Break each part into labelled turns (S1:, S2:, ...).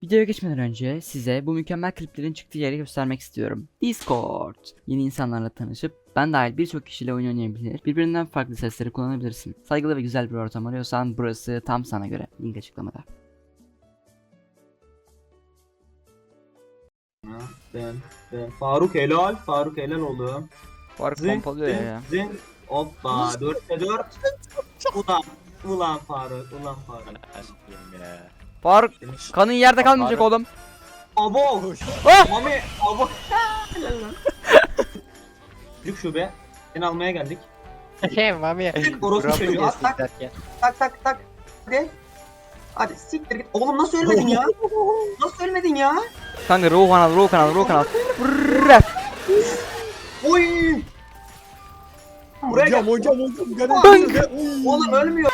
S1: Videoya geçmeden önce size bu mükemmel kliplerin çıktığı yeri göstermek istiyorum. Discord. Yeni insanlarla tanışıp ben dahil birçok kişiyle oyun oynayabilir, birbirinden farklı sesleri kullanabilirsin. Saygılı ve güzel bir ortam arıyorsan burası tam sana göre. Link açıklamada.
S2: Ben Faruk helal, Faruk helal oğlum.
S1: Fark
S2: Zın,
S1: pompalıyor
S2: zın,
S1: ya.
S2: zın. Hoppa 4'te 4. Ulan Faruk, ulan Faruk.
S3: Aşkım ya.
S1: Faruk kanın yerde kalmayacak oğlum.
S2: Abo!
S1: Ah!
S2: Mami, abo! Helal lan. Büyük şube. Seni almaya geldik.
S3: Mami.
S2: Orospu çocuğu. At tak tak tak tak. Hadi. Hadi siktir git. Oğlum nasıl ölmedin ya? Nasıl ölmedin ya?
S1: Kanka ruh kanal. Brrrr.
S2: Oy! Buraya gel.
S3: Hocam.
S2: Oğlum ölmüyor.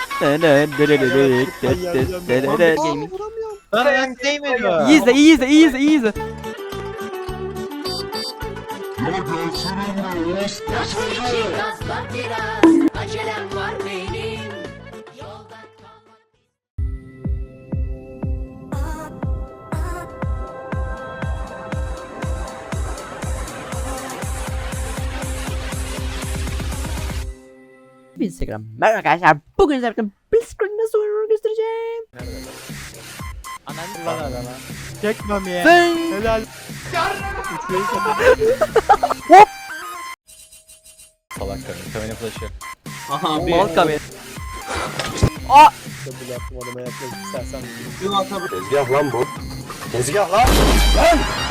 S1: Gaming.
S3: Ben değmiyorum.
S1: İyi izle.
S4: Gazla biraz acelem var benim. Yolda kalma.
S1: Instagram. Merhaba arkadaşlar. Bugün size Blitzcrank nasıl oynanır göstereceğim.
S3: Ananı lan adama. Çek Mami'ye.
S1: Sen.
S3: Helal.
S1: Hop.
S3: Salak karın. Kamera flash'ı.
S2: Aha bir.
S1: Mal kamera. Aa.
S3: Bu yaptım adama yaklaşık istersen.
S2: Şunu atabilir.
S3: Tezgah lan bu. Tezgah lan.